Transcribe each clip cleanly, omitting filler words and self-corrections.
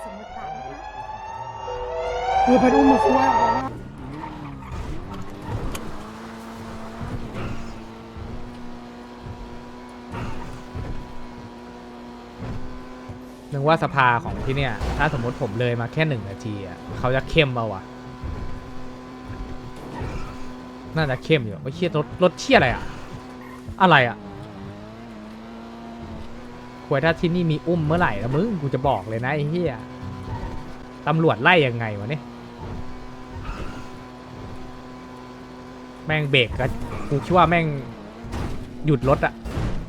สมมติบาทนะคะไปอุ้มมาคุยนึกว่าสภาของที่เนี่ยถ้าสมมติผมเลยมาแค่1 นาทีอ่ะเขาจะเข้มเปล่าวะน่าจะเข้มอยู่ไม่เชี่ยรถเชี่ยอะไรอ่ะอะไรอ่ะควรถ้าที่นี่มีอุ้มเมื่อไหร่นะมึงกูจะบอกเลยนะไอ้เหี้ยตำรวจไล่ยังไงวะเนี่ยแม่งเบรกก็กูคิดว่าแม่งหยุดรถอะ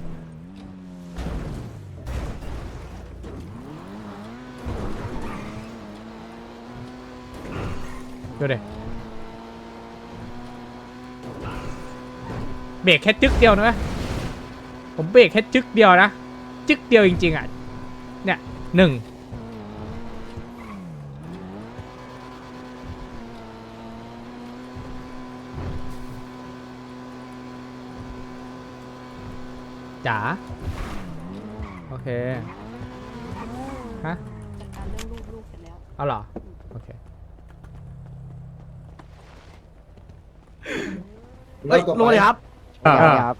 ดูดิเบรกแค่จึ๊กเดียวนะเว้ยผมเบรกแค่จึ๊กเดียวนะจึ๊กเดียวจริงๆอ่ะเนี่ย1จ๋าโอเคฮะจัดการเรื่องลูกเสร็จแล้วเอาเหรอโอเคเฮ้ยลงเลยครับครับ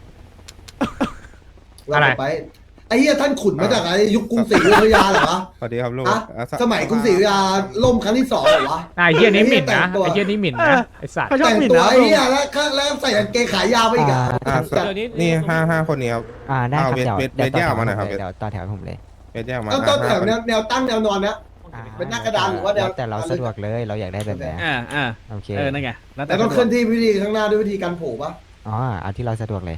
อะไรไปไอ้เหี้ยท่านขุนมาจากอะไรยุคกรุงศรีอยุธยาเหรอวะสวัสดีครับลูกอะสมัยกรุงศรีอยุธยาล่มครั้งที่2เหรอวะไอ้เหี้ยนี้หมิ่นนะแต่งตัวไอ้เหี้ยนี้หมิ่นนะไอ้สัตว์แต่งตัวไอ้เหี้ยแล้วใส่กางเกงขายาวไปอีกอะนี่ห้าคนนี้ครับได้ครับเวทแยกออกมาหน่อยครับเดี๋ยวต่อแถวผมเลยเวทแยกออกมาต้องแถวห้าแนวตั้งแนวนอนนะ เป็นหน้ากระดานหรือว่าแนวแต่เราสะดวกเลยเราอยากได้แบบไหน โอเคนั่นไงแล้วแต่ต้องเคลื่อนที่วิธีข้างหน้าด้วยวิธีการโผล่ปะอ๋อเอาที่เราสะดวกเลย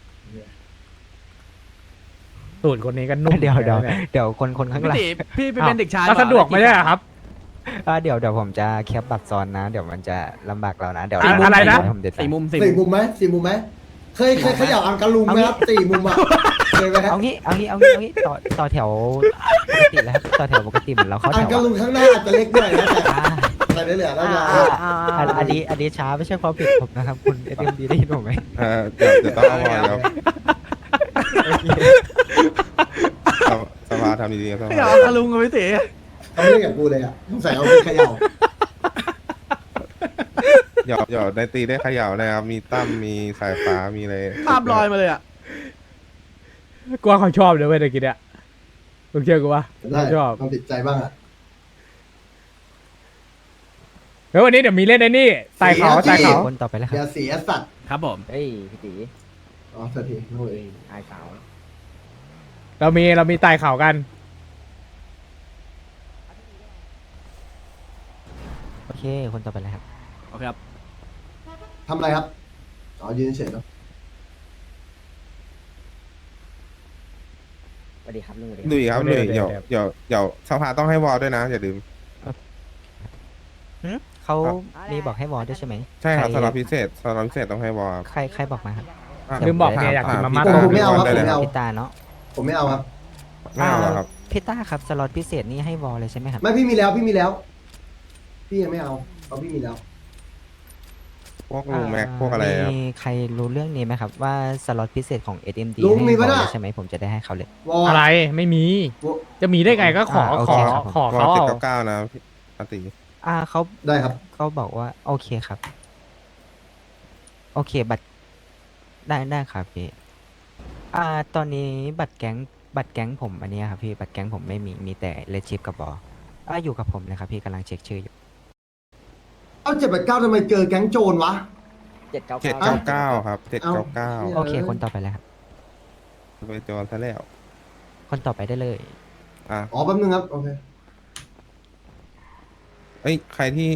ตูดคนนี้ก็นุ่มเดี๋ยวหมือนกันนี่เดี๋ยวคนข้างหลังพี่เป็นเด็กชายก็สะดวกไม่ใช่เหรอครับเดี๋ยวผมจะแคปบัตรซ้อนนะ เดี๋ยวมันจะลำบากเรานะ เดี๋ยวอะไรนะผมเด็ดสี่มุม 4 มุมไหม4 มุมไหมเคยเขย่าอังกะลุงไหมครับ4 มุมอะเคยไหมครับเอางี้ต่อแถวปกติแล้วครับต่อแถวปกติเหมือนเราเข้าอัแถงวกะลุงข้างหน้าอาจจะเล็กหน่อยนะแต่เหลือแล้วจะอันนี้ช้าไม่ใช่ความผิดผมนะครับ คุณเอ็มดีได้ยินผมไหมเดี๋ยวต้องเอาบอลแล้วสภาทำดีๆครับสไม่ภาเอาคาลุงกับพี่ตีเขาไม่เล่นกับกูเลยอ่ะต้องใส่เอาไปเขย่าเดี๋ยวในตีได้เขย่านะครับ มีตั้มมีสายฟ้ามีอะไรภาพลอยมาเลยอ่ะกลัวเขาชอบเลยเว้ยตะกี้เนี่ยมึงเชื่อกูปะได้เขาชอบความติดใจบ้างอ่ะเฮ้ยวันนี้เดี๋ยวมีเล่นไอ้นี่ไต่เขาเสียไต่เขาคนต่อไปแล้วคอรับย่าเสียสัตว์ครับผมเฮ้ยพี่ตีอ๋อสักทีโอ้ยอายสาวเรามีไต่เขากันโอเค คนต่อไปแล้วครับโอเคครับทำอะไรครับอ๋อยืนเฉยเนาะสวัสดีครับลุงลุยครับลุยเดี๋ยวสภาต้องให้วอลด้วยนะ อย่าลืมเขามีบอกให้วอลด้วยใช่ไหมใช่ครับใคสำหรับพิเศษต้องให้วอลครับใครบอกมาครับลืมบอกเนี่ยอยากกินมาม่าผมไม่เอาครับได้ผมเลยไม่เอาพี่ตาเนาะผมไม่เอาครับไม่เอาแล้วครับพี่ต้าครับสล็อตพิเศษนี่ให้วอลเลยใช่ไหมครับไม่พี่มีแล้วพี่ยังไม่เอาเพราะพี่มีแล้วพวกลุงแม็กพวกอะไรครับมีใครรู้เรื่องนี้ไหมครับว่าสล็อตพิเศษของ SMD ลุงมีให้ปะวอลน่ะเลยใช่ไหมผมจะได้ให้เขาเลยวอลอะไรไม่มี จะมีได้ไงก็ขอโอขอเคครับขอวอเขาลเอา 799นะพี่อาติเขาได้ครับเขาบอกว่าโอเคครับ โอเคบัตรได้ครับพี่ตอนนี้บัตรแก๊งผมอันเนี้ยครับพี่บัตรแก๊งผมไม่มีแต่เลชิปกับบออยู่กับผมเลยครับพี่กำลังเช็คชื่ออยู่เอา789ทำไมเจอแก๊งโจรวะ 799ครับ799 โอเค คนต่อไปแล้วครับไปโจรซะแล้วคนต่อไปได้เลยอ่ะอ๋อแป๊บนึงครับโอเคเอ้ยใครที่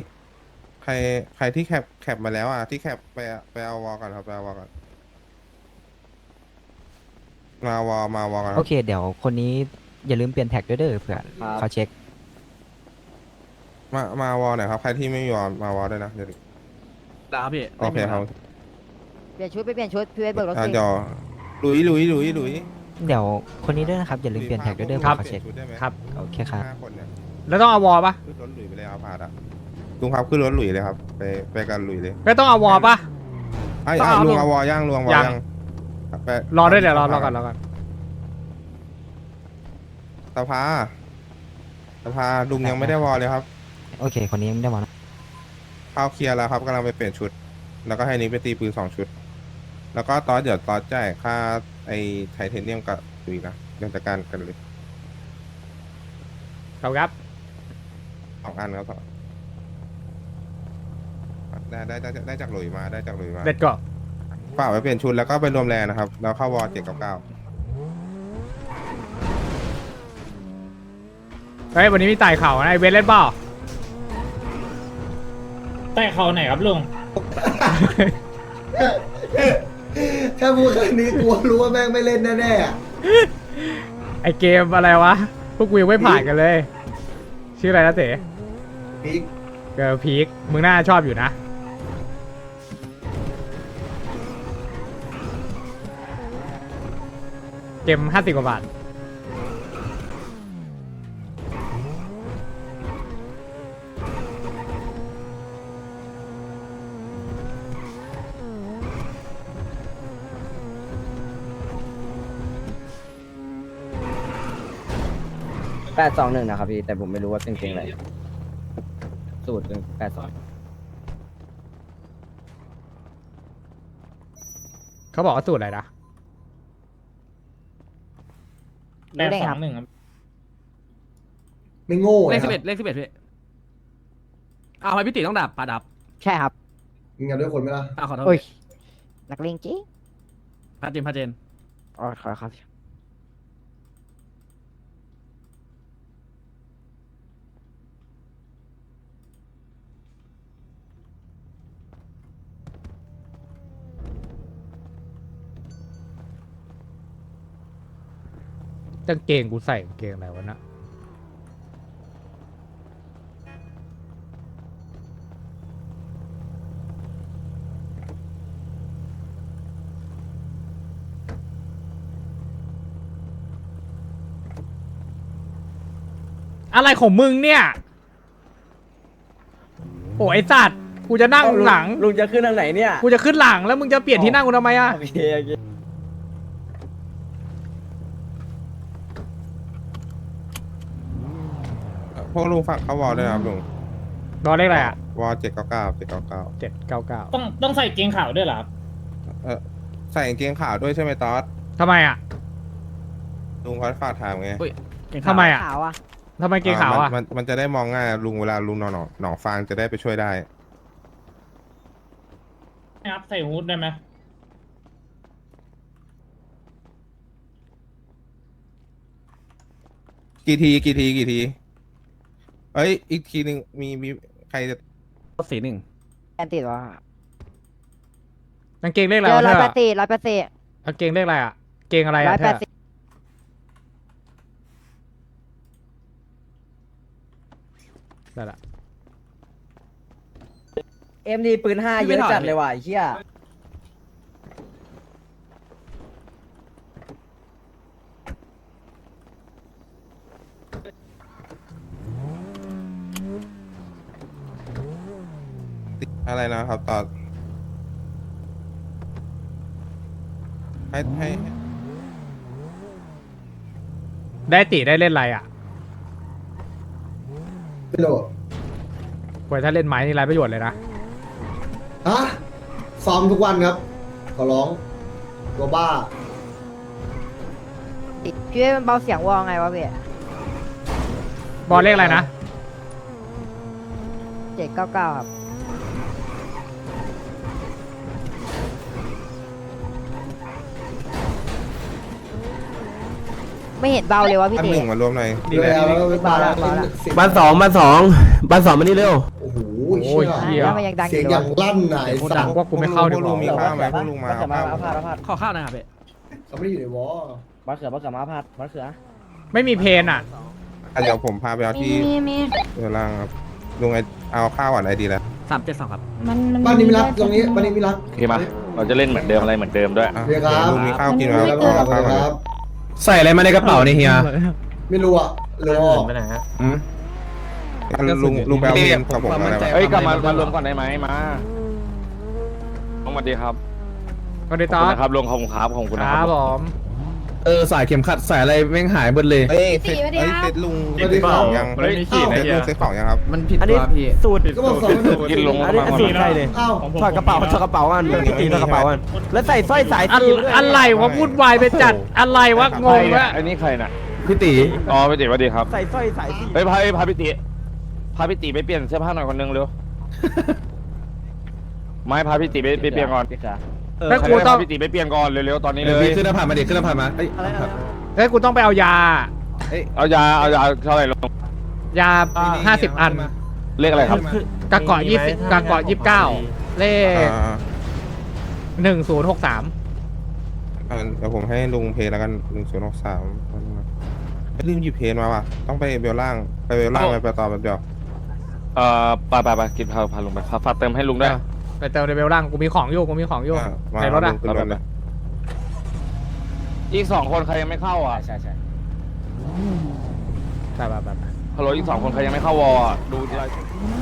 แคปมาแล้วอ่ะที่แคปไปเอาวอลก่อนครับไปเอาวอลก่อนมาวอลกันคโอรับเค เดี๋ยวคนนี้อย่าลืมเปลี่ยนแท็กด้วยเด้อเผื่อเขาเช็คมาวอลหน่อยครับใครที่ไม่มีวอลมาวอลด้วยนะเดี๋ยวได้ครับพี่โอเคครับเปลี่ยนชุดไปเปลี่ยนชุดพี่เวทเบิกรถอ่ะสิเดี๋ยวลุยเดี๋ยวคนนี้ด้วยนะครับอย่าลืมเปลี่ยนแท็กด้วยเด้อเผื่อเขาเช็คครับโอเคครับ 5 คนเนี่ยแล้วต้องเอาวอลปะขึ้นรถหลุยไปเลยเอาพาดอ่ะลุงครับขึ้นรถหลุยเลยครับไปกันหลุยเลยไม่ต้องเอาวอลปะไอ้ต้องเอาลุลุงงเอาวอลย่างลุงเอาวอลยังย่างไปรอด้วยเดี๋ยวรอก่อนสภาสภาลุงยังไม่ได้วอลเลยครับโอเค คนนี้ไม่ได้มานะเข้าเคลียร์แล้วครับกำลังไปเปลี่ยนชุด แล้วก็ให้นิกไปตีปืน2 ชุด แล้วก็ตอนเดี๋ยวตอนจ่ายค่าไอ้ไทเทเนียมกับดุยนะเรื่องจัดการกันเลยครับ 2 อันครับได้จากหลุยมาได้จากหลุยมาเด็ดก่อนฝากไปเปลี่ยนชุดแล้วก็ไปรวมแรงนะครับ แล้วเข้าวอล799 เฮ้ยวันนี้มีไต่เข่านะไอเวนเล่นเปล่าแต่เขาไหนครับลุงแค่พูดแค่นี้กูรู้ว่าแม่งไม่เล่นแน่ๆอะไอเกมอะไรวะ พวกกูยังไม่ผ่านกันเลย ชื่ออะไรนะเต๋พีคเกิร์ลพีคมึงน่าชอบอยู่นะ เกม50 กว่าบาท 821นะครับพี่แต่ผมไม่รู้ว่าเป็นเพลงอะไรสูตรเป็น82 เขาบอกว่าสูตรอะไรนะรู้ได้ครับ 821ครับไม่โง่เลขนะค 11 รับเลข11พี่เอาไปพี่ติต้องดับปาดับใช่ครับมึงกันด้วยคนไหมล่ะขอโทษโอ้ยนักเลงจริงพาเจนพาเจนอ๋อขอครับกางเกงกูใส่กางเกงอะไรวะนะอะไรของมึงเนี่ย โอ้ไอสัตว์กูจะนั่งหลังลุงจะขึ้นทางไหนเนี่ยกูจะขึ้นหลังแล้วมึงจะเปลี่ยนที่นั่งกูทำไมอะโอเคโอเคพวกลุงฝากเข้าวอลด้วยนะครับลุงรอเลขอะไรอะวอล799 799 ต้องใส่เกงขาวด้วยเหรอครับใส่กางเกงขาวด้วยใช่ไหมตอสทำไมอะลุงเขาฝากถามไงอุ้ยเก่งทำไมอะขาวอ่ะทำไมเกงขาวอะมันจะได้มองง่ายลุงเวลาลุงหนองฟางจะได้ไปช่วยได้นะครับ ใส่ฮูดได้ไหมกี่ทีเอ้ยอีกทีหนึ่งมีใครจะสีหนึ่งแอนติดวะกางเกงเลขอะไรเจอวะร้เธอยอแปดสิบร้อยแปดสิบกางเกงเลขอะไรอะเกงอะไรร้อะอยเธแปอดสิบได้ละเอ็มดีปืน5เยอะจัดเลยว่ะไอ้เหี้ยอะไรนะครับตอนให้ได้ติได้เล่นอะไรอะไม่รู้กว่าถ้าเล่นไม้นี่ไรประโยชน์เลยนะฮะซ้อมทุกวันครับ ขอร้องตัวบ้าพี่เว้ยมันเบาเสียงวอลไงวะพี่บอลเลขอะไรนะ 799ครับไม่เห็นเบาเลยวะพี่อันเต๋หนึ่งมารวมหน่อยดีเลยแล้วก็บ้าแล้วบ้าแล้วเสียงบ้านสองมานี่เร็วโอ้โหโอ้ยเชี่ยเหี้ยแล้วมันยังดังอเสียงยู่อเลย่างยวะลั่นไหนสัตว์ว่ากูไม่เข้าดีพวกกลุงมีว่าข้าวไหมพวกลุงมาบัตรเอาเขือข้าวมาเอาพาดขอข้าวหนะครับพี่เขาไม่ได้อยู่ในวอลบัตรเขือมาพาดบัตรเขือไม่มีเพนอะเดี๋ยวผมพาไปเอาที่มีเรือล่างครับลุงเอาข้าวก่อนไอดีแล้ว 372ครับบ้านนี้ไม่รักตรงนี้บ้านนี้ไม่รักโอเคมา เราจะเล่นเหมือนเดิมอะไรเหมือนเดิมด้วยอ่ะเรียกครับลุงมีข้าวกินไหมแล้วคก็รับเอาข้าวก่อนครับใส่อะไรมาในกระเป๋านี่เฮียไม่รู้อ่ะเรือออกลุงไปเอาเงินกับผมอะไรวะเฮ้ย กลับมารวมก่อนได้ไหมมาลงมาดีครับก็ได้ขตอบอคุณนนะครับลงขอบคุณครับขอบคุณคนะครัรับบ ผมสายเข็มขัดสายอะไรแม่งหายหมดเลยเอ้ยเซ็ตลุงสวัสดีครับยังไม่มีขีดเซ็ตลุงเซ็ตของยังครับมันผิดอันตันี้วพี่สูตรก็บอกสองไม่ถูกกินลงอันนี้สูตรใครเลยอ้าวถอดกระเป๋าอันพี่ตีถอดกระเป๋าอันแล้วใส่สร้อยสายอะสีด้วยอะไรวะวุ่นวายไปจัดอะไรวะงงวะอันนี้ใครน่ะพี่ตีอ๋อพี่ติสวัสดีครับใส่สร้อยสายสีเฮ้ยพาพี่ติไปเปลี่ยนเสื้อผ้าหน่อยคนนึงเร็ว ไม่พาพี่ติไปเปลี่ยนก่อนแล้วกูต้องพาพี่ติไปเปลี่ยนก่อนเร็วๆตอนนี้เลยพี่ขึ้นหน้าผามาดิขึ้นหน้าผามาเอ้ยอะไรแล้วกูต้องไปเอายาเอายาเท่าไหร่ลงยา50 อันเลขอะไรครับกะเกาะ20กะเกาะ29 เลข 1063 เดี๋ยวผมให้ลุงเพลแล้วกัน1063ไม่ลืมหยิบเพลมาว่ะต้องไปเบลล่างไปเบลล่างไปต่อแบบเดียวไปกินพาลงไปฝากเติมให้ลุงด้วยไปเติมในเบลล่างกูมีของอยู่ในรถอะขึ้นรถเลยอีก2 คนใครยังไม่เข้าอ่ะใช่ไปฮัลโหลอีก2 คนใครยังไม่เข้าวอร์ดูทีไร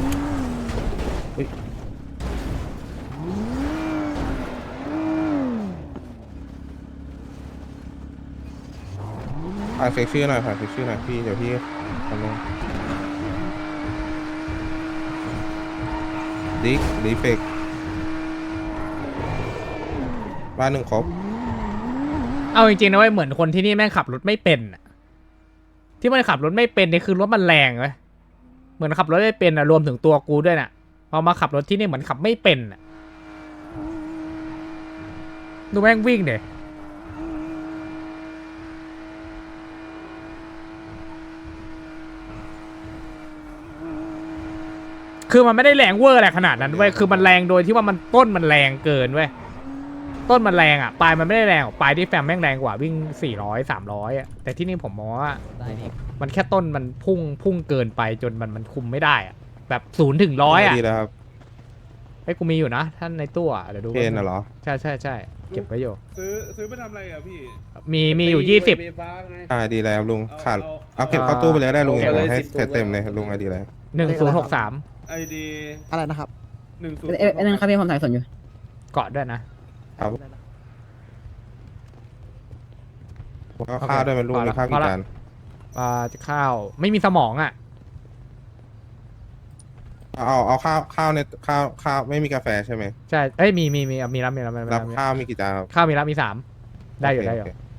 ฝากเช็คชื่อหน่อยพี่เดี๋ยวพี่ทำลงดิเฟกบ้าน1 ครบเอาจริงๆนะเว้ยเหมือนคนที่นี่แม่งขับรถไม่เป็นอะที่มันขับรถไม่เป็นนี่คือรถมันแรงเว้ยเหมือนขับรถไม่เป็นอะรวมถึงตัวกูด้วยน่ะพอมาขับรถที่นี่เหมือนขับไม่เป็นอะดูแม่งวิ่งเดยคือมันไม่ได้แรงเวอร์อะไรขนาดนั้นเว้ยคือมันแรงโดยที่ว่ามันต้นมันแรงเกินเว้ยต้นมันแรงอ่ะปลายมันไม่ได้แรงปลายที่แฟมแม่งแรงกว่าวิ่ง400 300อ่ะแต่ที่นี่ผมมองว่ามันแค่ต้นมันพุ่งเกินไปจนมันคุมไม่ได้อ่ะแบบ0 ถึง 100อ่ะดีแล้วครับไอ้กูมีอยู่นะท่านในตู้อ่ะเดี๋ยวดูเพนน่ะเหรอใช่เก็บไว้อยู่ซื้อไปทำอะไรอ่ะพี่มีอยู่20 ดีแล้วลุงขาดเอาเก็บเข้าตู้ไปเลยได้ลุงอย่างให้เต็มเลยลุงดีเลย 1063 ไอดีอะไรนะครับนั่นครับพี่ผมถ่ายสนอยู่เกาะด้วยนะครับก็ข้าวด้วยมันลุงมีข้าวกี่จานข้าวไม่มีสมองอ่ะเอาข้าวในข้าวไม่มีกาแฟใช่ไหมใช่เอ้ยมีรับรับข้าวมีกี่จานครับข้าวมีรับมี3ได้อยู่โเค